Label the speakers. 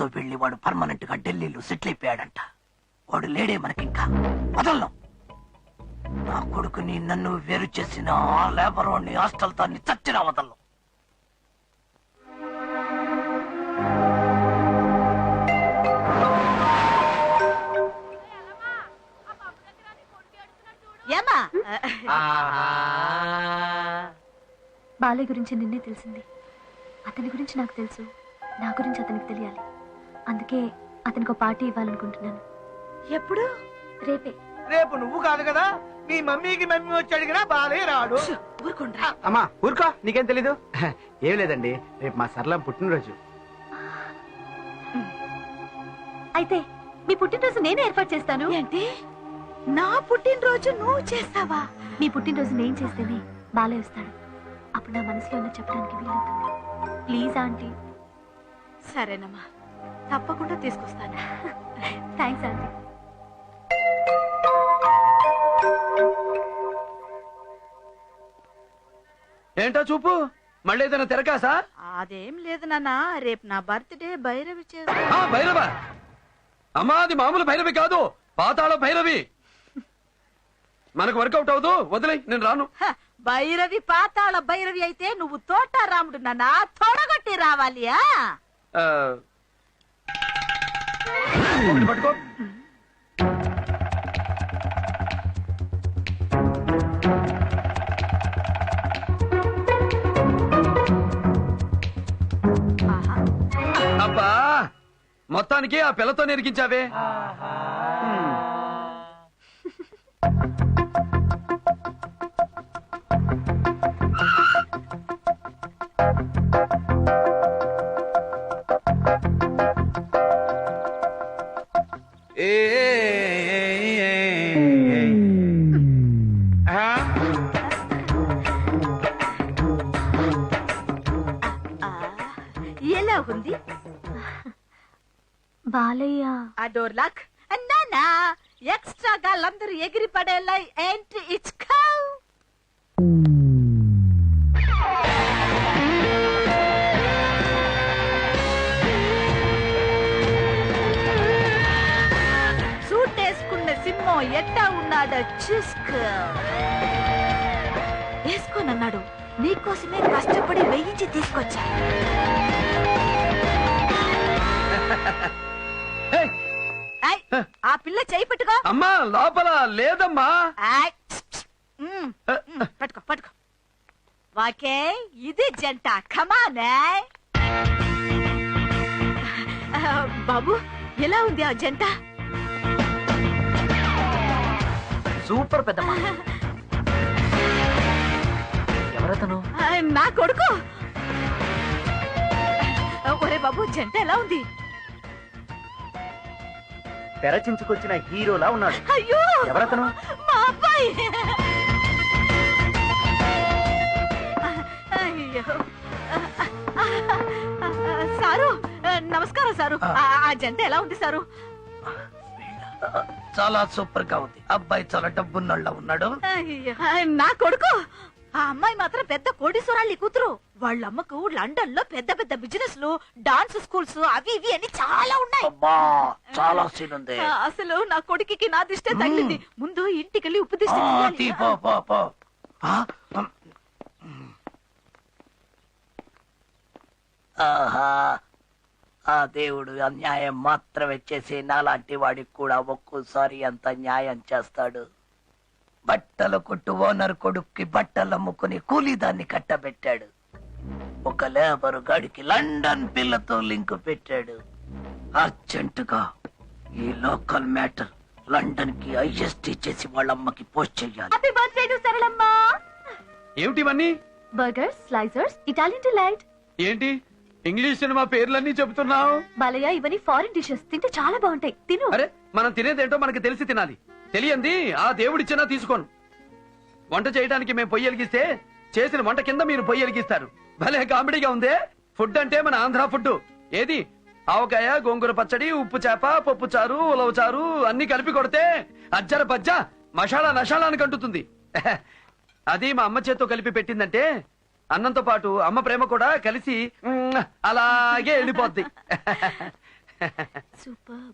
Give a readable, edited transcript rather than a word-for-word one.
Speaker 1: అమ్మాయితో వెళ్ళి వాడు పర్మనెంట్ గా ఢిల్లీలో సెటిల్ అయిపోయాడంట. వాడు లేడే మనకింకా. వదలను. నా కొడుకుని నన్ను వేరు చేసిన ఆ లేబర్ వాడిని హాస్టల్ తాన్ని చచ్చిన వదలను.
Speaker 2: బాలయ్య గురించి నిన్నే తెలిసింది. అతని గురించి నాకు తెలుసు, నా గురించి అతనికి తెలియాలి. అందుకే అతనికి ఒక పార్టీ ఇవ్వాలనుకుంటున్నాను.
Speaker 3: ఎప్పుడు?
Speaker 2: రేపే.
Speaker 4: రేపు నువ్వు కాదు కదా, మీ మమ్మీకి మమ్మీ వచ్చి అడిగినా బాలయ్య రాడు.
Speaker 3: ఊరుకుండ్రా.
Speaker 5: అమ్మా ఊరుకో, నీకేం తెలీదు. ఏం లేదండి, రేపు మా సరళ పుట్టినరోజు.
Speaker 2: అయితే మీ పుట్టినరోజు నేనే ఏర్పాటు చేస్తాను.
Speaker 3: ఏంటి, నా పుట్టినరోజు నువ్వు చేస్తావా?
Speaker 2: మీ పుట్టినరోజు నేను చేస్తేనే బాలయ్య వస్తాడు. అప్పుడు నా మనసులో ఉన్న చెప్పడానికి వీలవుతుంది. Please aunty.
Speaker 3: సరేనమ్మా, తప్పకుండా తీసుకొస్తాను.
Speaker 2: Thanks aunty.
Speaker 5: ఏంటో చూపు, మళ్ళీ ఏదైనా తెరకాసా?
Speaker 3: అదేం లేదు నాన్న, రేపు నా బర్త్డే. భైరవి
Speaker 5: భైరవ అమ్మా, అది మామూలు భైరవి కాదు, పాతాళ భైరవి. మనకు వర్కౌట్ అవదు, వదిలే, నేను రాను.
Speaker 3: భైరవి పాతాళ భైరవి అయితే నువ్వు తోట రాముడు నాన్న, తొడగొట్టి రావాలి.
Speaker 5: పట్టుకో. అబ్బా, మొత్తానికి ఆ పిల్లతో నెరికించావే.
Speaker 3: ఎలా ఉంది
Speaker 2: బాలయ్య?
Speaker 3: ఆ డోర్ లాక్ నానా, ఎక్స్ట్రా గాళ్ళందరూ ఎగిరి పడేలా ఏంటి ఇచ్చుకో. సూట్ వేసుకున్న సింహం ఎట్టా ఉన్నాడో చూసుకో. వేసుకోనన్నాడు, నీకోసమే కష్టపడి వేయించి తీసుకొచ్చా. ఆ పిల్ల చేయి పట్టుకో.
Speaker 5: అమ్మా, లోపల లేదమ్మా.
Speaker 3: పట్టుకో పట్టుకో. వాకే, ఇది జంట. కమానే బాబు, ఎలా ఉంది ఆ జంట?
Speaker 1: సూపర్ పెద్దమ్మా. ఎవరతను?
Speaker 3: నా కొడుకు. ఒరే బాబు, జంట ఎలా ఉంది?
Speaker 5: తెరచించుకొచ్చిన హీరోలా ఉన్నాడు.
Speaker 3: అయ్యో,
Speaker 5: ఎవరతను?
Speaker 3: మా అబ్బాయి. అయ్యో, సారు నమస్కారం సారు. ఆ జంట ఎలా ఉంది సారు?
Speaker 1: చాలా సూపర్ గా ఉంది. అబ్బాయి చాలా డబ్బున్నోళ్ళ ఉన్నాడు.
Speaker 3: అయ్యో, నా కొడుకు. ఆ అమ్మాయి మాత్రం పెద్ద కోటీశ్వరాళ్ళ కూతురు. వాళ్ళ అమ్మకు లండన్ లో పెద్ద పెద్ద బిజినెస్ లు, డాన్స్ స్కూల్స్, అవి ఇవి అని చాలా ఉన్నాయి.
Speaker 1: చాలా సీన్ ఉంది.
Speaker 3: అసలు నా కొడుకుకి నా దిష్టే తగిలింది. ముందు ఇంటికెళ్ళి ఉప్పు దిష్టి తీయాలి.
Speaker 1: ఆహా, ఆ దేవుడు అన్యాయం మాత్రమే చేసి నాలాంటి వాడికి కూడా ఒక్కోసారి అంత న్యాయం చేస్తాడు. బట్టల కొట్టు ఓనర్ కొడుక్కి బట్టలు అమ్ముకుని కూలీదాన్ని కట్టబెట్టాడు. ఒక లేబరు గాడికి లండన్ పిల్లతో లింక్ పెట్టాడు. అర్జెంటుగా ఈ లోకల్ మ్యాటర్ లండన్ కి ఐఎస్టీ చేసి వాళ్ళమ్మకి పోస్ట్ చెయ్యాలి.
Speaker 2: Happy birthday to Saralamma.
Speaker 5: ఏమిటివన్నీ?
Speaker 2: Burgers, slicers, Italian delight.
Speaker 5: ఏంటి ఇంగ్లీష్ సినిమా పేర్లన్నీ చెబుతున్నావు?
Speaker 2: బాలయ్య, ఇవన్నీ ఫారిన్ డిషెస్, తింటే చాలా బాగుంటాయి, తిను.
Speaker 5: అరే, మనం తినేదేంటో మనకి తెలిసి తినాలి. తెలియంది ఆ దేవుడిచ్చినా తీసుకోను. వంట చేయడానికి మేము పొయ్యి వెలిగిస్తే చేసిన వంట కింద మీరు పొయ్యి వెలిగిస్తారు. భలే కామెడీగా ఉందే. ఫుడ్ అంటే మన ఆంధ్ర ఫుడ్. ఏది ఆవకాయ, గోంగూర పచ్చడి, ఉప్పు చేప, పప్పు చారు, ఉలవ చారు అన్ని కలిపి కొడితే అజ్జర బజ్జ మసాలా నషాలానికి అంటుతుంది. అది మా అమ్మ చేత్తో కలిపి పెట్టిందంటే అన్నంతో పాటు అమ్మ ప్రేమ కూడా కలిసి అలాగే వెళ్ళిపోద్ది.
Speaker 2: సూపర్